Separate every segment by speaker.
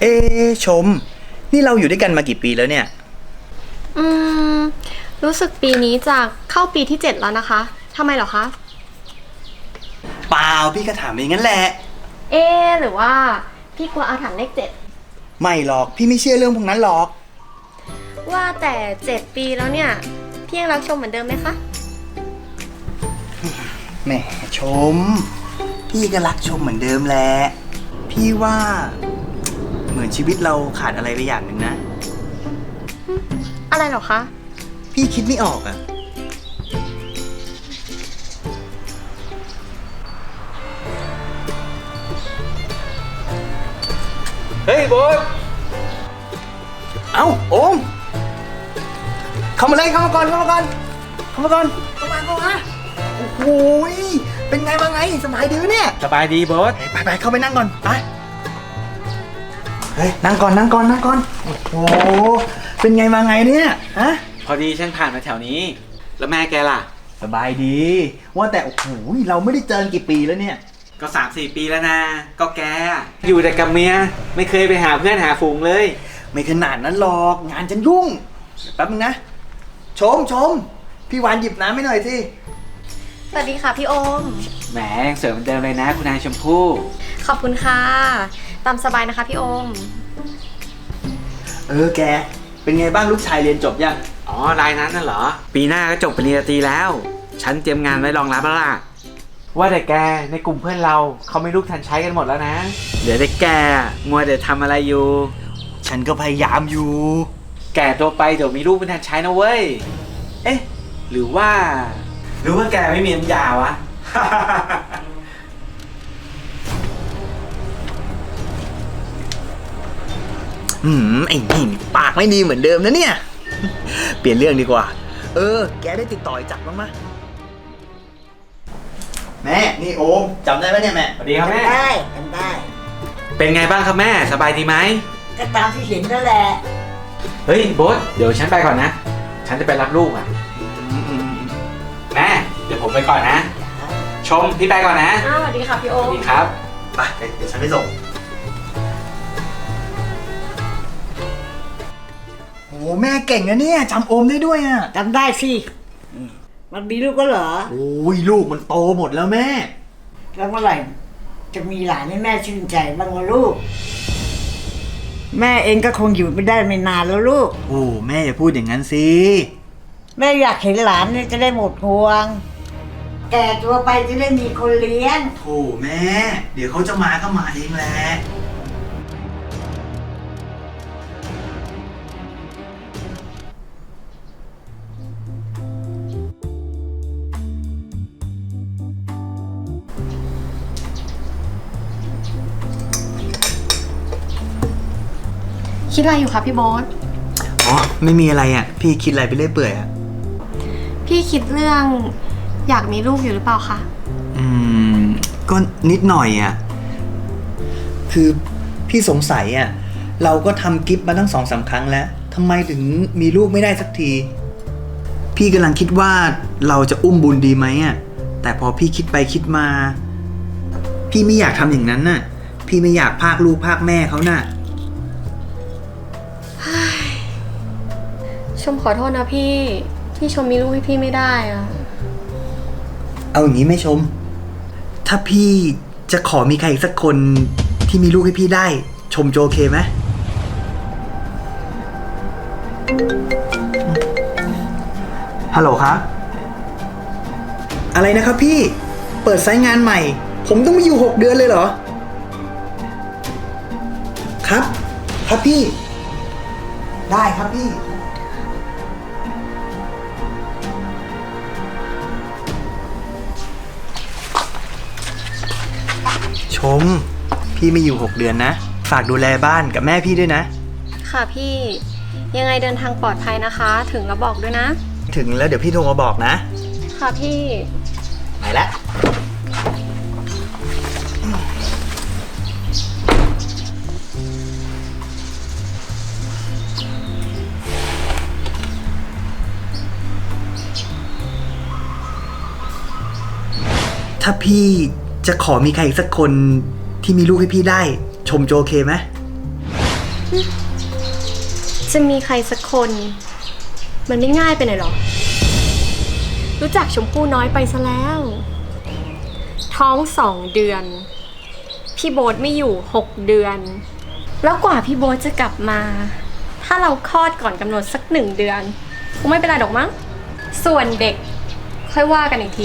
Speaker 1: เอชมนี่เราอยู่ด้วยกันมากี่ปีแล้วเนี่ย
Speaker 2: อืมรู้สึกปีนี้จะเข้าปีที่7แล้วนะคะทำไมเหรอคะ
Speaker 1: เปล่าพี่ก็ถามเองงั้นแหละ
Speaker 2: หรือว่าพี่กลัวอาถรรพ์เลข
Speaker 1: ไม่หรอกพี่ไม่เชื่อเรื่องพวกนั้นหรอก
Speaker 2: 7ว่าแต่7ปีแล้วเนี่ยพี่ยังรักชมเหมือนเดิมไหมคะ
Speaker 1: แหมชมพี่ก็รักชมเหมือนเดิมแหละพี่ว่าเหมือนชีวิตเราขาดอะไรไปอย่างหนึ่งนะ
Speaker 2: อะไรเหรอคะ
Speaker 1: พี่คิดไม่ออกอะเฮ้ยโบ๊ทเอ้าโอมเข้ามาเลยเข้ามาก่อนเข้ามาก่อนเข้ามาก่อนเข้ามาโอ้โหเป็นไงมาไงสบายดีเนี่ย
Speaker 3: สบายดีโบ๊ท
Speaker 1: ไปเข้าไปนั่งก่อนไปเฮ้ยนั่งก่อนโอ้โหเป็นไงมาไงเนี่ยฮะ
Speaker 3: พอดีฉันผ่านมาแถวนี้แล้วแม่แกล่ะ
Speaker 1: สบายดีว่าแต่โอ้โหเราไม่ได้เจอกี่ปีแล้วเนี่ย
Speaker 3: ก็3-4 ปีแล้วนะก็แกอยู่แต่กับเมียไม่เคยไปหาเพื่อนหาฝูงเลย
Speaker 1: ไม่ขนาดนั้นหรอกงานฉันยุ่งแป๊บนึงนะชมพี่วานหยิบน้ำให้หน่อยสิ
Speaker 2: สวัสดีค่ะพี่โอม
Speaker 3: แหมยังสวยเหมือนเดิมเลยนะคุณนายชมพู่
Speaker 2: ขอบคุณค่ะตามสบายนะคะพี่โอม
Speaker 1: แกเป็นไงบ้างลูกชายเรียนจบยัง
Speaker 3: อ๋อรายนั้นน่ะเหรอปีหน้าก็จบปริญญาตรีแล้วฉันเตรียมงานไว้รองรับแล้วล่ะว่าแต่แกในกลุ่มเพื่อนเราเขาไม่ลูกทันใช้กันหมดแล้วนะเหลือแต่แกมัวแต่ทำอะไรอยู่
Speaker 1: ฉันก็พยายามอยู่
Speaker 3: แก่ตัวไปเดี๋ยวมีลูกไม่ทันใช้นะเว้ยเอ๊ะหรือว่าแกไม่มีน้ำยาวะ
Speaker 1: ไอ้นี่ปากไม่ดีเหมือนเดิมนะเนี่ยเปลี่ยนเรื่องดีกว่าแกได้ติดต่อจักรบ้างไหมแม่นี่โอมจำได้ไหมเนี่ยแม่
Speaker 3: สวัสดีครับแม่
Speaker 4: จำได้
Speaker 3: เป็นไงบ้างครับแม่สบายดีไหม
Speaker 4: ก็ตามที่เห็นนั่นแหละ
Speaker 3: เฮ้ยโบ๊ทเดี๋ยวฉันไปก่อนนะฉันจะไปรับลูกอ่ะแม่เดี๋ยวผมไปก่อนนะชมพี่ไปก่อนนะ
Speaker 2: สวัสดีค่ะพี่โอม
Speaker 3: สวัสดีครับ
Speaker 1: ไปเดี๋ยวฉันไปส่งโอ้แม่เก่งนะเนี่ยจำโอมได้ด้วยอ่ะ
Speaker 4: จำได้สิมันมีลูกก็เหรอ
Speaker 1: โอ้ยลูกมันโตหมดแล้วแม่
Speaker 4: แล้วเมื่อไหร่จะมีหลานให้แม่ชื่นใจบ้างวะลูกแม่เองก็คงอยู่ไม่ได้ไม่นานแล้วลูก
Speaker 1: โอ้แม่อย่าพูดอย่างนั้นสิ
Speaker 4: แม่อยากเห็นหลานเนี่ยจะได้หมดห่วงแก่ตัวไปจะได้มีคนเลี้ยง
Speaker 1: โธ่แม่เดี๋ยวเขาจะมาก็มาเองแหละ
Speaker 2: คิดอะไรอยู่คะพี่โบ๊ท
Speaker 1: อ๋อไม่มีอะไรอ่ะพี่คิดอะไรไปเรื่อยเปื่อยอ่ะ
Speaker 2: พี่คิดเรื่องอยากมีลูกอยู่หรือเปล่าคะ
Speaker 1: ก็นิดหน่อยอ่ะคือพี่สงสัยอ่ะเราก็ทำกิฟต์มาตั้ง2-3 ครั้งแล้วทำไมถึงมีลูกไม่ได้สักทีพี่กำลังคิดว่าเราจะอุ้มบุญดีไหมอ่ะแต่พอพี่คิดไปคิดมาพี่ไม่อยากทำอย่างนั้นน่ะพี่ไม่อยากพรากลูกพรากแม่เขาน่ะ
Speaker 2: ชมขอโทษนะพี่ที่ชมมีลูกให้พี่ไม่ได้อะ
Speaker 1: เอาอย่างนี้ไหมชมถ้าพี่จะขอมีใครอีกสักคนที่มีลูกให้พี่ได้ชมโอเคไหมฮัลโหลครับอะไรนะครับพี่เปิดไซต์งานใหม่ผมต้องมาอยู่6 เดือนเลยเหรอครับพี่ได้ครับพี่ชมพี่ไม่อยู่6 เดือนนะฝากดูแลบ้านกับแม่พี่ด้วยนะ
Speaker 2: ค่ะพี่ยังไงเดินทางปลอดภัยนะคะถึงแล้วบอกด้วยนะ
Speaker 1: ถึงแล้วเดี๋ยวพี่โทรมาบอกนะ
Speaker 2: ค่ะพี่
Speaker 1: ไปแล้วถ้าพี่จะขอมีใครอีกสักคนที่มีลูกให้พี่ได้ชมโอเคไหม
Speaker 2: จะมีใครสักคน มันไม่ง่ายไปหน่อยหรอ รู้จักชมพู่น้อยไปซะแล้ว ท้อง2 เดือน พี่โบ๊ทไม่อยู่6 เดือน แล้วกว่าพี่โบ๊ทจะกลับมา ถ้าเราคลอดก่อนกำหนดสัก1 เดือนคงไม่เป็นไรหรอกมั้ง ส่วนเด็กค่อยว่ากันอีกที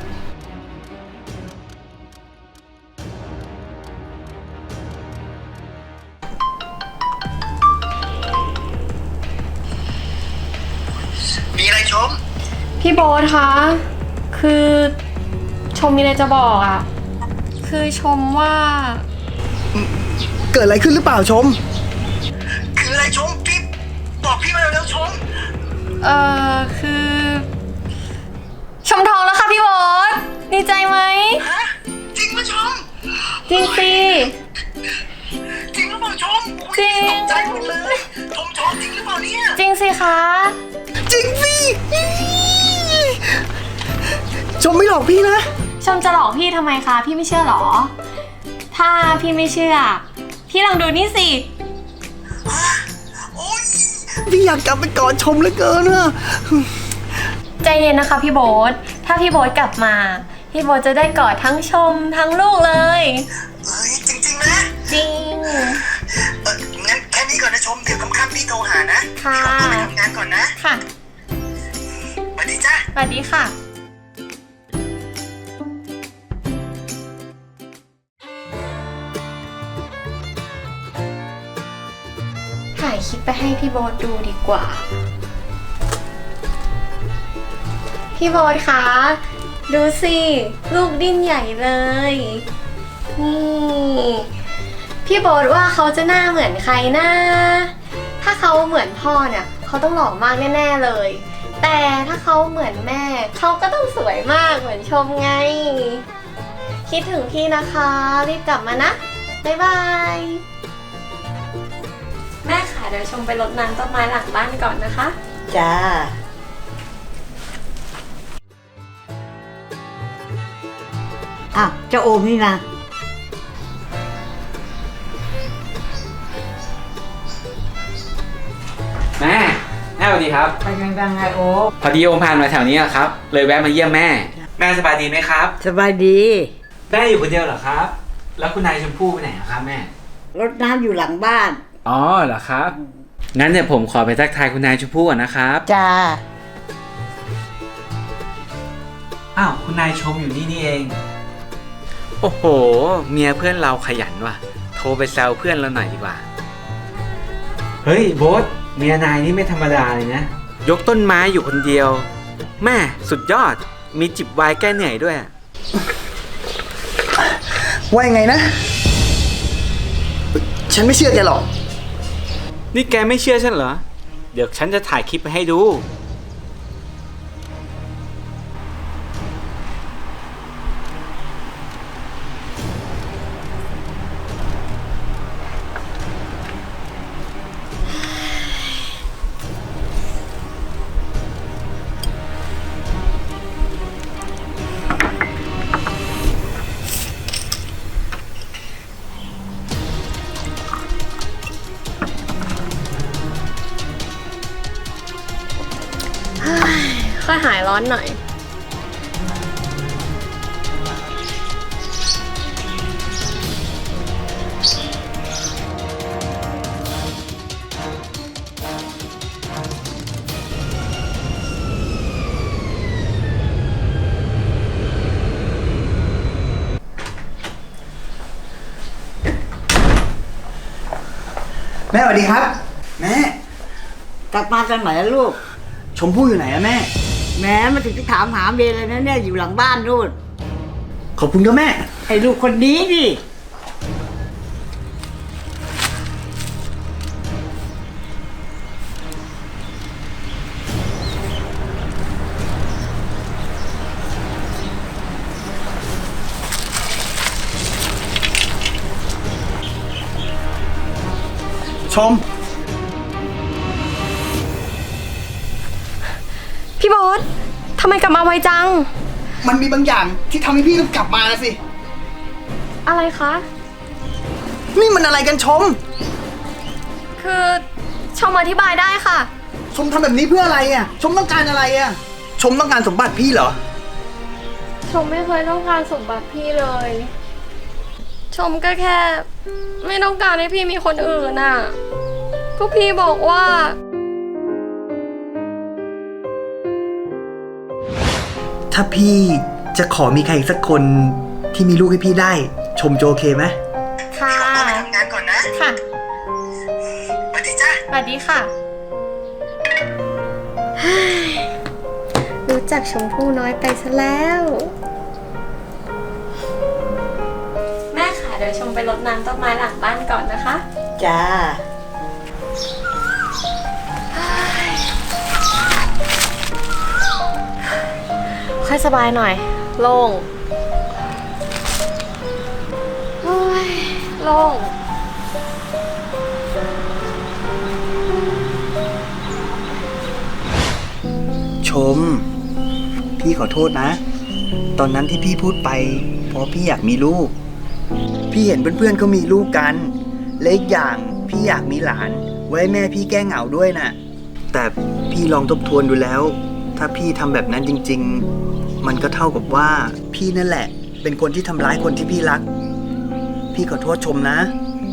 Speaker 1: มีอะไรชม
Speaker 2: พี่โบ๊ทคะ คือชมมีอะไรจะบอกอ่ะ คือชมว่า
Speaker 1: เกิดอะไรขึ้นหรือเปล่าชม คืออะไรชมพี่บอกพี่มาเร็วๆชม
Speaker 2: คือ ชมท้องแล้วค่ะพี่โบ๊ทดีใจไหม
Speaker 1: ฮะจริงปะชม
Speaker 2: จริงสิ
Speaker 1: จริงหรือเปล่าชม
Speaker 2: จริง
Speaker 1: ตกใจหมดเลยชมท้องจริงหรือเปล่าเนี่ย
Speaker 2: จริงสิคะ
Speaker 1: จริงสิชมไม่หลอกพี่นะ
Speaker 2: ชมจะหลอกพี่ทำไมคะพี่ไม่เชื่อหรอ ถ้าพี่ไม่เชื่อ พี่ลองดูนี่สิ
Speaker 1: โอ๊ยพี่อยากกลับไปกอดชมเหลือเกินอะ
Speaker 2: ใจเย็นนะคะพี่โบ๊ทถ้าพี่โบ๊ทกลับมา พี่โบ๊ทจะได้กอดทั้งชมทั้งลูกเลย
Speaker 1: เฮ้ยจริงๆนะ
Speaker 2: จริง
Speaker 1: งั้นแค่นี้ก่อนนะชมเดี๋ยวค่ำๆพี่โทรหานะ
Speaker 2: ค่ะ
Speaker 1: พี่ขอตัวไปทำงานก่อนนะ
Speaker 2: ค่ะ
Speaker 1: สวัสดีจ้า
Speaker 2: สวัสดีค่ะ ถ่ายคลิปไปให้พี่โบ๊ทดูดีกว่า พี่โบ๊ทคะ ดูสิ ลูกดิ้นใหญ่เลย นี่ พี่โบ๊ทว่าเขาจะหน้าเหมือนใครนะ ถ้าเขาเหมือนพ่อเนี่ยเขาต้องหล่อมากแน่ๆเลย แต่ถ้าเขาเหมือนแม่เขาก็ต้องสวยมากเหมือนชมไง คิดถึงพี่นะคะ รีบกลับมานะ บ๊ายบาย แม่ค่ะเดี๋ยวชมไปรดน้ำต้นไม้หลังบ้านก่อนนะคะ
Speaker 4: จ้าอ้าวเจ้าโอมนี่นะ
Speaker 3: แม่สวัสดีครับ
Speaker 4: ไปไงบ้างไงโอม
Speaker 3: พอดีโอมผ่านมาแถวนี้อะครับ เลยแวะมาเยี่ยมแม่ แม่สบายดีไหมครับ
Speaker 4: สบายดี
Speaker 3: แม่อยู่คนเดียวเหรอครับ แล้วคุณนายชมพู่ไปไหนอะครับแม่
Speaker 4: รดน้ำอยู่หลังบ้าน
Speaker 3: อ๋อเหรอครับ งั้นเดี๋ยวผมขอไปทักทายคุณนายชมพู่ก่อนนะครับ
Speaker 4: จ้า
Speaker 3: อ้าวคุณนายชมอยู่นี่นี่เอง โอ้โห เมียเพื่อนเราขยันว่ะ โทรไปแซวเพื่อนเราหน่อยดีกว่า เฮ้ยโบ๊ทเมียนายนี่ไม่ธรรมดาเลยนะ ยกต้นไม้อยู่คนเดียว แม่สุดยอด มีจิบไวน์แก้เหนื่อยด้วย
Speaker 1: ว่ายังไงนะ ฉันไม่เชื่อแกหรอก
Speaker 3: นี่แกไม่เชื่อฉันเหรอ เดี๋ยวฉันจะถ่ายคลิปไปให้ดู
Speaker 2: ค่อยหายร้อนหน่อย
Speaker 1: แม่สวัสดีครับ แม่
Speaker 4: กลับมาตอนไหนล่ะลูก
Speaker 1: ชมพู่อยู่ไหนอะแม่
Speaker 4: แหม้มาถึงจะถามหาเมย์เลยนะเนี่ยอยู่หลังบ้านนู่น
Speaker 1: ขอบคุณครับแม่
Speaker 4: ไอ้ลูกคนนี้ดิ
Speaker 1: ชม
Speaker 2: พี่โบ๊ททำไมกลับมาไวจัง
Speaker 1: มันมีบางอย่างที่ทำให้พี่ต้องกลับมานะสิ
Speaker 2: อะไรคะ
Speaker 1: นี่มันอะไรกันชม
Speaker 2: คือชมอธิบายได้ค่ะ
Speaker 1: ชมทำแบบนี้เพื่ออะไรอ่ะ ชมต้องการอะไรอ่ะ ชมต้องการสมบัติพี่เหรอ
Speaker 2: ชมไม่เคยต้องการสมบัติพี่เลย ชมก็แค่ ไม่ต้องการให้พี่มีคนอื่นน่ะก็พี่บอกว่า
Speaker 1: ถ้าพี่จะขอมีใครอีกสักคนที่มีลูกให้พี่ได้ ชมจะโอเคไหม
Speaker 2: ค่ะ
Speaker 1: ขอไปทำงานก่อนนะ
Speaker 2: ค่ะ
Speaker 1: สวัสดีจ้า
Speaker 2: สวัสดีค่ะ รู้จักชมพู่น้อยไปซะแล้ว แม่ค่ะเดี๋ยวชมไปรดน้ำต้นไม้หลังบ้านก่อนนะคะ
Speaker 4: จ้า
Speaker 2: ค่อยสบายหน่อย โล่งโอ้ยโล่ง
Speaker 1: ชม พี่ขอโทษนะ ตอนนั้นที่พี่พูดไป เพราะพี่อยากมีลูก พี่เห็นเพื่อนๆเขามีลูกกันและอีกอย่างพี่อยากมีหลาน ไว้ให้แม่พี่แก้เหงาด้วยน่ะ แต่พี่ลองทบทวนดูแล้ว ถ้าพี่ทำแบบนั้นจริงๆ มันก็เท่ากับว่าพี่นั่นแหละ เป็นคนที่ทำร้ายคนที่พี่รัก พี่ขอโทษชมนะ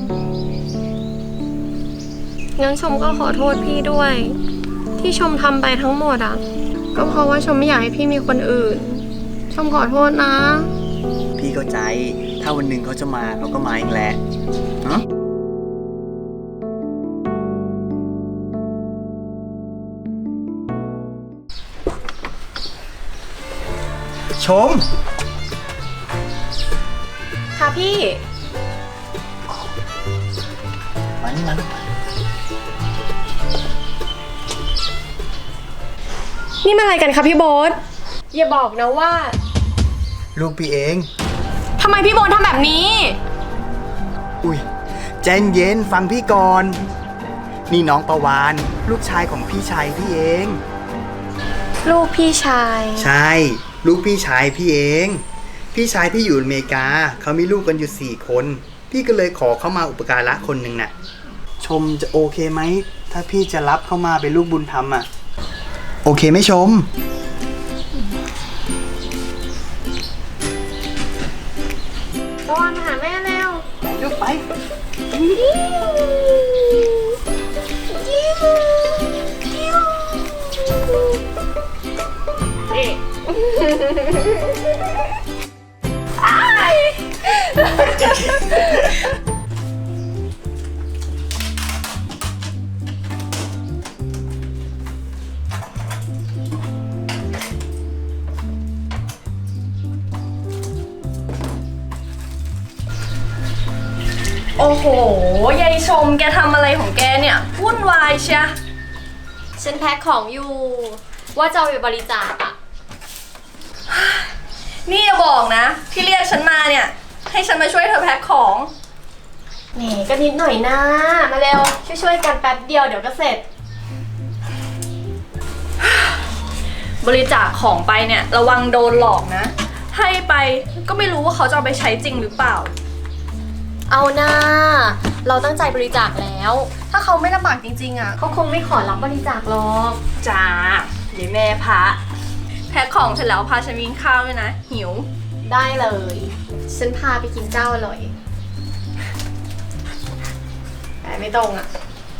Speaker 2: งั้นชมก็ขอโทษพี่ด้วย ที่ชมทำไปทั้งหมดอ่ะ ก็เพราะว่าชมไม่อยากให้พี่มีคนอื่น ชมขอโทษนะ
Speaker 1: พี่เข้าใจ ถ้าวันหนึ่งเขาจะมาเขาก็มาเองแหละเนาะชม
Speaker 2: ค่ะพี่
Speaker 1: มานี่มาลูก
Speaker 2: นี่มันอะไรกันคะพี่โบ๊ทอย่าบอกนะว่า
Speaker 1: ลูกพี่เอง
Speaker 2: ทำไมพี่โบ๊ททำแบบนี้
Speaker 1: อุ้ยใจเย็นฟังพี่ก่อน นี่น้องประวานลูกชายของพี่ชายพี่เอง
Speaker 2: ลูกพี่ชาย
Speaker 1: ใช่ ลูกพี่ชายพี่เอง พี่ชายพี่อยู่อเมริกา เขามีลูกกันอยู่4 คน พี่ก็เลยขอเข้ามาอุปการะคนหนึ่งน่ะ ชมจะโอเคไหม ถ้าพี่จะรับเข้ามาเป็นลูกบุญธรรมอ่ะ โอเคไหมชม
Speaker 2: ตอนมาหาแม่เร็ว
Speaker 1: ลูกไป
Speaker 5: โอ้โห ยายชมแกทำอะไรของแกเนี่ยวุ่นวายเชีย
Speaker 2: ฉันแพ็คของอยู่ ว่าจะเอาไปบริจาคอะ
Speaker 5: นี่อย่าบอกนะ ที่เรียกฉันมาเนี่ย ให้ฉันมาช่วยเธอแพ็คของ
Speaker 2: แหมก็นิดหน่อยนะ มาเร็ว ช่วยๆกันแป๊บเดียวเดี๋ยวก็เสร็จ
Speaker 5: บริจาคของไปเนี่ยระวังโดนหลอกนะ ให้ไปก็ไม่รู้ว่าเขาจะเอาไปใช้จริงหรือเปล่า
Speaker 2: เอาหน้า เราตั้งใจบริจาคแล้ว
Speaker 5: ถ้าเขาไม่ลำบากจริงๆอ่ะ
Speaker 2: เขาคงไม่ขอรับบริจาคหรอก
Speaker 5: จ้าเดี๋ยวแม่พระแพ็คของเสร็จแล้วพาฉันกินข้าวด้วยนะ หิว
Speaker 2: ได้เลย ฉันพาไปกินเจ้าอร่อย แต่ไม่ตรงอ่ะ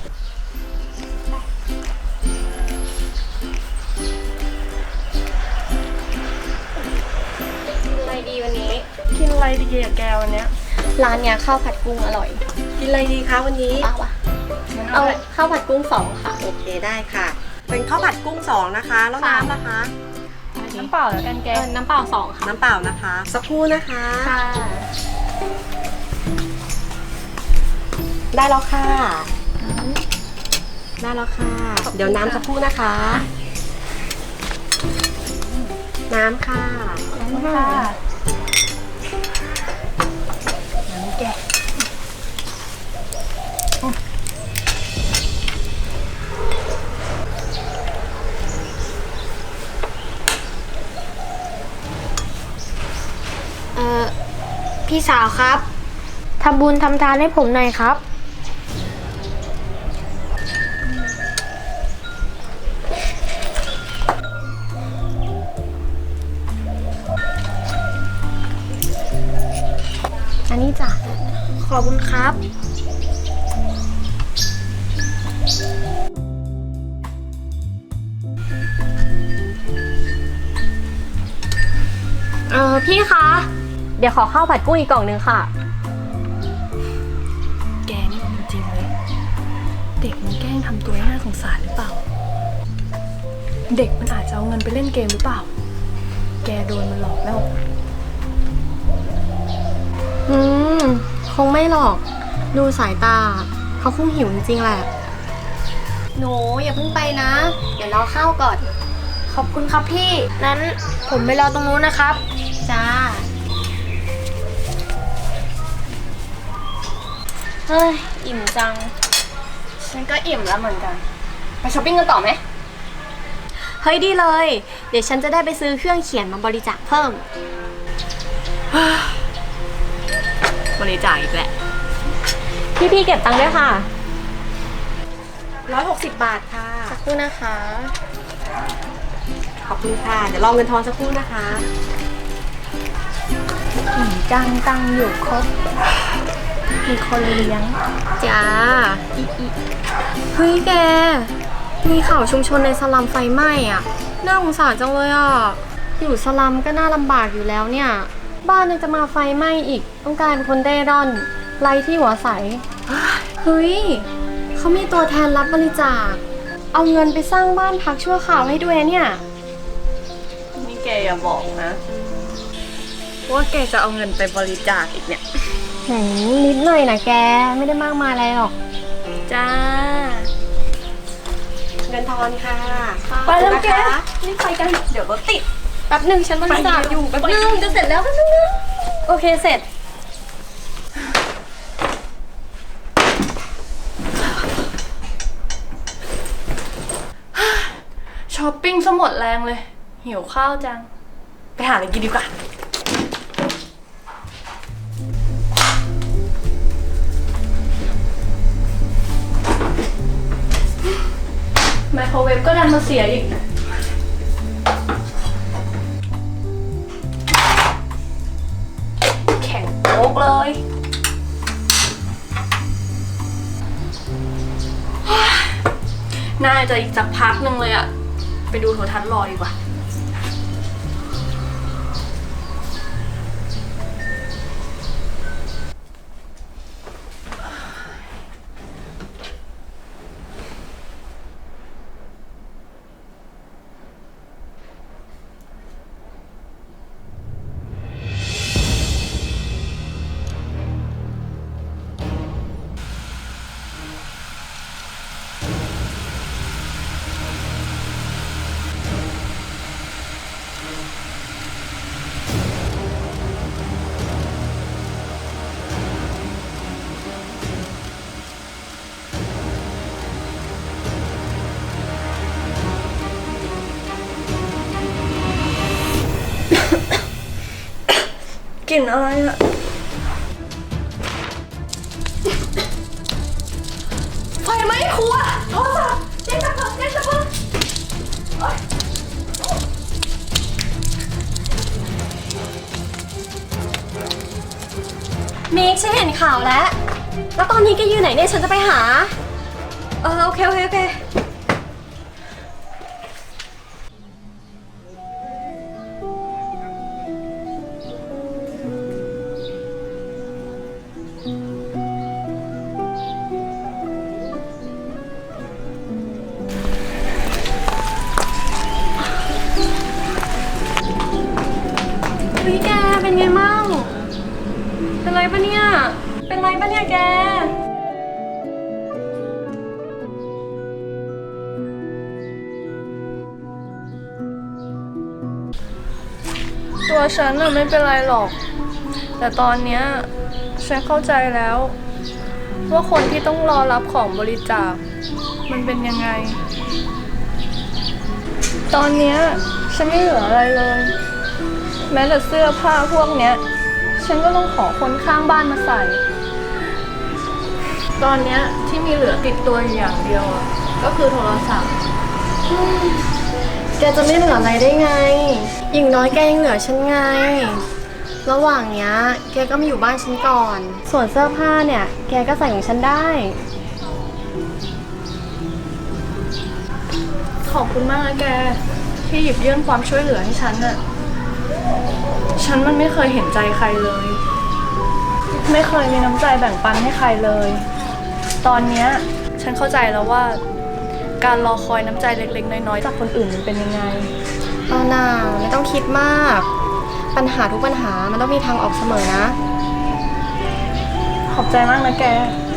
Speaker 2: กินอะไรดีวันนี้
Speaker 5: กินอะไรดีอะแกวันเนี้ย
Speaker 2: ร้านเนี้ยข้าวผัดกุ้งอร่อย
Speaker 5: กินอะไรดีคะวันนี้
Speaker 2: เอาวะเอาข้าวผัดกุ้ง2ค่ะ
Speaker 6: โอเคได้ค่ะ เป็นข้าวผัดกุ้ง2นะคะ แล้วน้ำนะคะ
Speaker 5: น้ำเปล่าแล้วกันแก
Speaker 2: น้ำเปล่า2ค่ะ
Speaker 6: น้ำเปล่านะคะ สักครู่นะคะ
Speaker 2: ค่ะ
Speaker 6: ได้แล้วค่ะ ได้แล้วค่ะ เดี๋ยวน้ำสักครู่นะคะ น้ำค่ะ
Speaker 5: ค่ะ
Speaker 7: พี่สาวครับทำบุญทำทานให้ผมหน่อยครับ
Speaker 2: ขอบคุณครับ พี่คะ เดี๋ยวขอข้าวผัดกุ้งอีกกล่องนึงค่ะ
Speaker 5: แกนี่มันจริงเลย เด็กมันแกล้งทำตัวให้น่าสงสารหรือเปล่า เด็กมันอาจจะเอาเงินไปเล่นเกมหรือเปล่า แกโดนมันหลอกแล้ว
Speaker 2: คงไม่หรอก ดูสายตา เขาคงหิวจริงๆแหละ หนูอย่าเพิ่งไปนะ เดี๋ยวรอข้าวก่อน ขอบคุณครับพี่ นั้นผมไปรอตรงนู้นนะครับ จ้า เฮ้ย อิ่มจัง
Speaker 5: ฉันก็อิ่มแล้วเหมือนกัน ไปช้อปปิ้งกันต่อไหม
Speaker 2: เฮ้ยดีเลย เดี๋ยวฉันจะได้ไปซื้อเครื่องเขียนมาบริจาคเพิ่ม
Speaker 5: บริจาคอีกแหละ
Speaker 2: พี่เก็บตังค์ด้วยค่ะ
Speaker 6: 160 บาทค่ะ
Speaker 2: สักครู่นะคะ
Speaker 6: ขอบคุณค่ะ เดี๋ยวรอเงินทอนสักครู่นะคะ
Speaker 5: จังตังอยู่ครบ มีคนเลี้ยง
Speaker 2: จ้าเฮ้ยแก มีข่าวชุมชนในสลัมไฟไหม้อ่ะ น่าสงสารจังเลยอ่ะ อยู่สลัมก็น่าลำบากอยู่แล้วเนี่ย บ้านยังจะมาไฟไหม้อีก ต้องกลายเป็นคนเร่ร่อนไร้ที่หัวใส เฮ้ย เขามีตัวแทนรับบริจาค เอาเงินไปสร้างบ้านพักชั่วคราวให้ด้วยเนี่ย
Speaker 5: นี่แกอย่าบอกนะ ว่าแกจะเอาเงินไปบริจาคอีกเนี่ย
Speaker 2: นิดหน่อยนะแก ไม่ได้มากมายอะไรหรอก
Speaker 5: จ้า
Speaker 6: เงินทอนค่ะ
Speaker 5: ไปแล้วแก
Speaker 6: นะคะ
Speaker 5: นี่ไปกัน เดี๋ยวรถติด
Speaker 2: แป๊บหนึ่งฉันบริจาคอยู่
Speaker 5: ไป
Speaker 2: แป๊บ
Speaker 5: เดี๋
Speaker 2: ห
Speaker 5: ยว
Speaker 2: นึ่งจะเสร็จแล้วแป๊บหนึงนะโอเคเสร็จ
Speaker 5: ช้อปปิ้งซะหมดแรงเลย หิวข้าวจัง ไปหาอะไรกินดีกว่า ไมโครเวฟก็ดันมาเสียอีก แข็งโป๊กเลย น่าจะอีกสักพักหนึ่งเลยอะไปดูโทรทัศน์รอดีกว่า กลิ่นอะไรอะไฟไหม้ครัวโทรศัพท์แจ้งตำรวจแจ้งตำรวจ
Speaker 2: มิกฉันเห็นข่าวแล้ว แล้วตอนนี้แกอยู่ไหนเนี่ยฉันจะไปหา โอเค เฮ้ยแกเป็นไงมั่ง เป็นไรปะเนี่ย เป็นไรปะเนี่ยแก
Speaker 5: ตัวฉันน่ะไม่เป็นไรหรอก แต่ตอนเนี้ยฉันเข้าใจแล้ว ว่าคนที่ต้องรอรับของบริจาคมันเป็นยังไง ตอนเนี้ยฉันไม่เหลืออะไรเลย แม้แต่เสื้อผ้าพวกเนี้ยฉันก็ต้องขอคนข้างบ้านมาใส่ ตอนเนี้ยที่มีเหลือติดตัวอยู่อย่างเดียวอะก็คือโทรศัพท์
Speaker 2: แกจะไม่เหลืออะไรได้ไง อย่างน้อยแกยังเหลือฉันไงระหว่างเนี้ยแกก็มาอยู่บ้านฉันก่อน ส่วนเสื้อผ้าเนี่ย แกก็ใส่ของฉันได้
Speaker 5: ขอบคุณมากนะแกที่หยิบยื่นความช่วยเหลือให้ฉันน่ะ ฉันมันไม่เคยเห็นใจใครเลย ไม่เคยมีน้ำใจแบ่งปันให้ใครเลย ตอนเนี้ยฉันเข้าใจแล้วว่า การรอคอยน้ำใจเล็กๆน้อยๆจากคนอื่นมันเป็นยังไง
Speaker 2: เอาหน่าไม่ต้องคิดมาก ปัญหาทุกปัญหามันต้องมีทางออกเสมอนะ
Speaker 5: ขอบใจมากนะแก